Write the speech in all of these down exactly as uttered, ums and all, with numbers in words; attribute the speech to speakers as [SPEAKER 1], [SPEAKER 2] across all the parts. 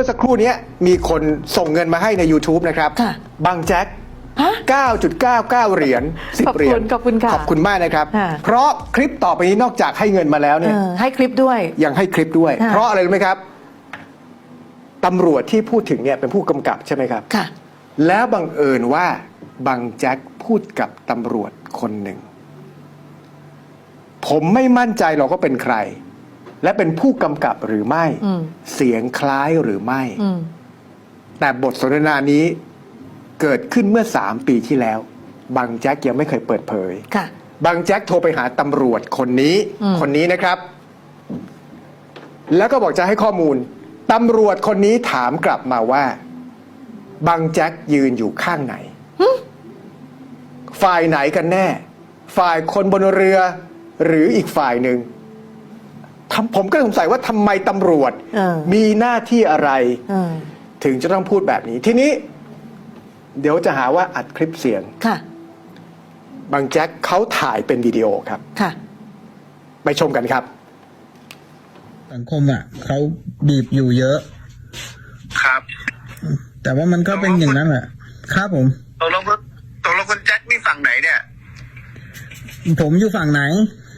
[SPEAKER 1] สักครู่นี้มีคนส่งเงินมาให้ใน YouTube นะครับ
[SPEAKER 2] ค่ะ
[SPEAKER 1] บางแจ็ค เก้าจุดเก้าเก้า เหรียญสิบ
[SPEAKER 2] ขอบคุณ
[SPEAKER 1] เหรียญ
[SPEAKER 2] ขอบคุณค่ะ
[SPEAKER 1] ขอบคุณมากนะครับ
[SPEAKER 2] ค่ะ
[SPEAKER 1] เพราะคลิปต่อไปนี้นอกจากให้เงินมาแล้วเนี่ย
[SPEAKER 2] เออให้คลิปด้วย
[SPEAKER 1] ยังให้คลิปด้วย
[SPEAKER 2] ค่ะ
[SPEAKER 1] เพราะอะไรรู้ไหมครับตำรวจที่พูดถึงเนี่ยเป็นผู้กำกับใช่ไหมครับ
[SPEAKER 2] ค่ะ
[SPEAKER 1] แล้วบังเอิญว่าบางแจ็คพูดกับตำรวจคนหนึ่ง ผมไม่มั่นใจหรอกว่าเป็นใคร และเป็นผู้กำกับหรือไม่
[SPEAKER 2] อืม
[SPEAKER 1] เสียงคล้ายหรือไม่
[SPEAKER 2] อืม
[SPEAKER 1] แต่บทสนทนานี้เกิดขึ้นเมื่อสามปีที่แล้วบางแจ็คยังไม่เคยเปิดเผย
[SPEAKER 2] ค่ะ
[SPEAKER 1] บางแจ็คโทรไปหาตำรวจคนนี้
[SPEAKER 2] อืม
[SPEAKER 1] คนนี้นะครับ แล้วก็บอกจะให้ข้อมูลตำรวจคนนี้ถามกลับมาว่าบางแจ็คยืนอยู่ข้างไหน ฝ่ายไหนกันแน่ ฝ่ายคนบนเรือ หรืออีกฝ่ายหนึ่งทำผมก็สงสัยว่าทำไมตำรวจ
[SPEAKER 2] เออ
[SPEAKER 1] มีหน้าที่อะไร
[SPEAKER 2] เออ
[SPEAKER 1] ถึงจะต้องพูดแบบนี้ ทีนี้ เดี๋ยวจะหาว่าอัดคลิปเสียง
[SPEAKER 2] ค่ะ
[SPEAKER 1] บางแจ็คเขาถ่ายเป็นวิดีโอครับ
[SPEAKER 2] ค่ะ
[SPEAKER 1] ไปชมกันครับ
[SPEAKER 3] สังคมอ่ะเขาบีบอยู่เยอะ
[SPEAKER 4] ครับ
[SPEAKER 3] แต่ว่ามันก็เป็นอย่างนั้นแหละครับผม
[SPEAKER 4] ตกลงคุณตกลงคุณแจ็คนี่ฝั่งไหนเนี่ย
[SPEAKER 3] ผมอยู่ฝั่งไหน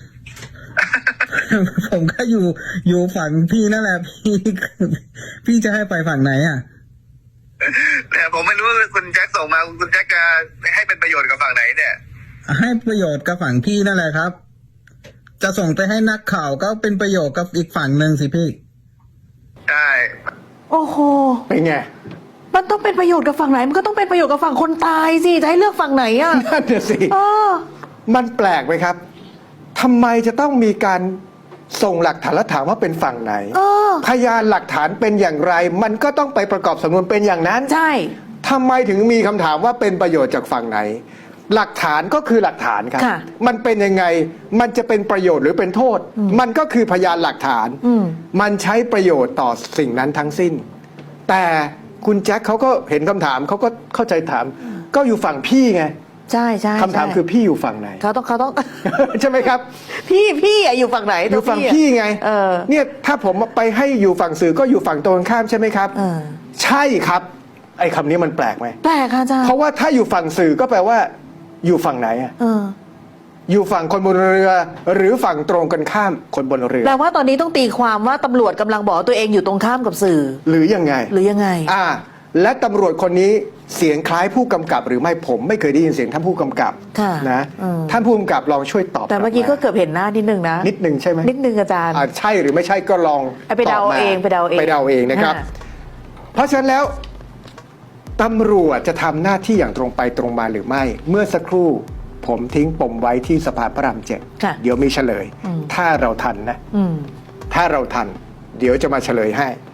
[SPEAKER 3] ผมก็อยู่อยู่ฝั่งพี่นั่นแหละ พี่พี่จะให้ไปฝั่งไหนอ่ะ
[SPEAKER 4] แต่ผมไม่รู้ว่าคุณแจ็คส่งมาคุณแจ็คจะให้เป็นประโยชน์กับฝั่งไหนเนี่ย
[SPEAKER 3] ให้ประโยชน์กับฝั่งพี่นั่นแหละครับ จะส่งไปให้นักข่าวก็เป็นประโยชน์กับอีกฝั่งหนึ่งสิพี่
[SPEAKER 4] ใช่
[SPEAKER 2] โอ้โห
[SPEAKER 1] เป็นไง
[SPEAKER 2] มันต้องเป็นประโยชน์กับฝั่งไหน มันก็ต้องเป็นประโยชน์กับฝั่งคนตายสิ จะให้เลือกฝั่งไหนอ่ะ
[SPEAKER 1] นั่นน่ะสิ
[SPEAKER 2] เออ
[SPEAKER 1] มันแปลกไหมครับทำไมจะต้องมีการส่งหลักฐานและถามว่าเป็นฝั่งไหน
[SPEAKER 2] เออ
[SPEAKER 1] พยานหลักฐานเป็นอย่างไร มันก็ต้องไปประกอบสำนวนเป็นอย่างนั้น
[SPEAKER 2] ใช่
[SPEAKER 1] ทำไมถึงมีคำถามว่าเป็นประโยชน์จากฝั่งไหน หลักฐานก็คือหลักฐานครับ
[SPEAKER 2] ค่ะ
[SPEAKER 1] มันเป็นยังไง มันจะเป็นประโยชน์หรือเป็นโทษ มันก็คือพยานหลักฐาน
[SPEAKER 2] อืม
[SPEAKER 1] มันใช้ประโยชน์ต่อสิ่งนั้นทั้งสิ้น แต่คุณแจ็คเขาก็เห็นคำถามเขาก็เข้าใจถาม ก็อยู่ฝั่งพี่ไง
[SPEAKER 2] ใช่ใช่
[SPEAKER 1] คำถาม
[SPEAKER 2] ใช่
[SPEAKER 1] คือพี่อยู่ฝั่งไหน
[SPEAKER 2] เขาต้องเขาต้อง
[SPEAKER 1] ใช่ไหมครับ
[SPEAKER 2] พี่พี่อะอยู่ฝั่งไหน
[SPEAKER 1] อยู่ฝั่ง
[SPEAKER 2] ะ
[SPEAKER 1] พี่ไง
[SPEAKER 2] เออ
[SPEAKER 1] เนี่ยถ้าผมไปให้อยู่ฝั่งสื่อก็อยู่ฝั่งตรงกันข้ามใช่ไหมครับ
[SPEAKER 2] เออ
[SPEAKER 1] ใช่ครับไอ้คำนี้มันแปลกไหม
[SPEAKER 2] แปลกค่ะอาจารย์
[SPEAKER 1] เพราะว่าถ้าอยู่ฝั่งสื่อก็แปลว่า อยู่ฝั่งไหนอะ
[SPEAKER 2] เออ
[SPEAKER 1] อยู่ฝั่งคนบนเรือ หรือฝั่งตรงกันข้ามคนบนเรือ
[SPEAKER 2] แปลว่าตอนนี้ต้องตีความว่าตำรวจกำลังบอกว่าตัวเองอยู่ตรงข้ามกับสื่อ
[SPEAKER 1] หรือยังไง
[SPEAKER 2] หรือยังไง
[SPEAKER 1] อ่า และตำรวจคนนี้เสียงคล้ายผู้กำกับหรือไม่ผมไม่เคยได้ยินเสียงท่านผู้กำกับ
[SPEAKER 2] ค่ะ
[SPEAKER 1] นะ
[SPEAKER 2] อืม
[SPEAKER 1] ท่านผู้กำกับลองช่วยตอบ
[SPEAKER 2] แต่เมื่อกี้
[SPEAKER 1] ลั
[SPEAKER 2] ก็
[SPEAKER 1] บา
[SPEAKER 2] เกือบเห็นหน้านิดนึงนะ
[SPEAKER 1] นิดนึงใช่ไหม
[SPEAKER 2] นิดนึงอาจารย์
[SPEAKER 1] อ่าใช่หรือไม่ใช่ก็ลอง
[SPEAKER 2] เอาไปเดา
[SPEAKER 1] ตบม
[SPEAKER 2] เองไปเดาเอง
[SPEAKER 1] ไปเดาเองนะครับ
[SPEAKER 2] อ่า
[SPEAKER 1] เพราะฉะนั้นแล้วตำรวจจะทำหน้าที่อย่างตรงไปตรงมาหรือไม่ เมื่อสักครู่ผมทิ้งปมไว้ที่สะพานพระรามเจ็ด
[SPEAKER 2] ค่ะ
[SPEAKER 1] เดี๋ยวมีเฉลย
[SPEAKER 2] อืม
[SPEAKER 1] ถ้าเราทันนะ
[SPEAKER 2] อืม
[SPEAKER 1] ถ้าเราทัน เดี๋ยวจะมาเฉลยให้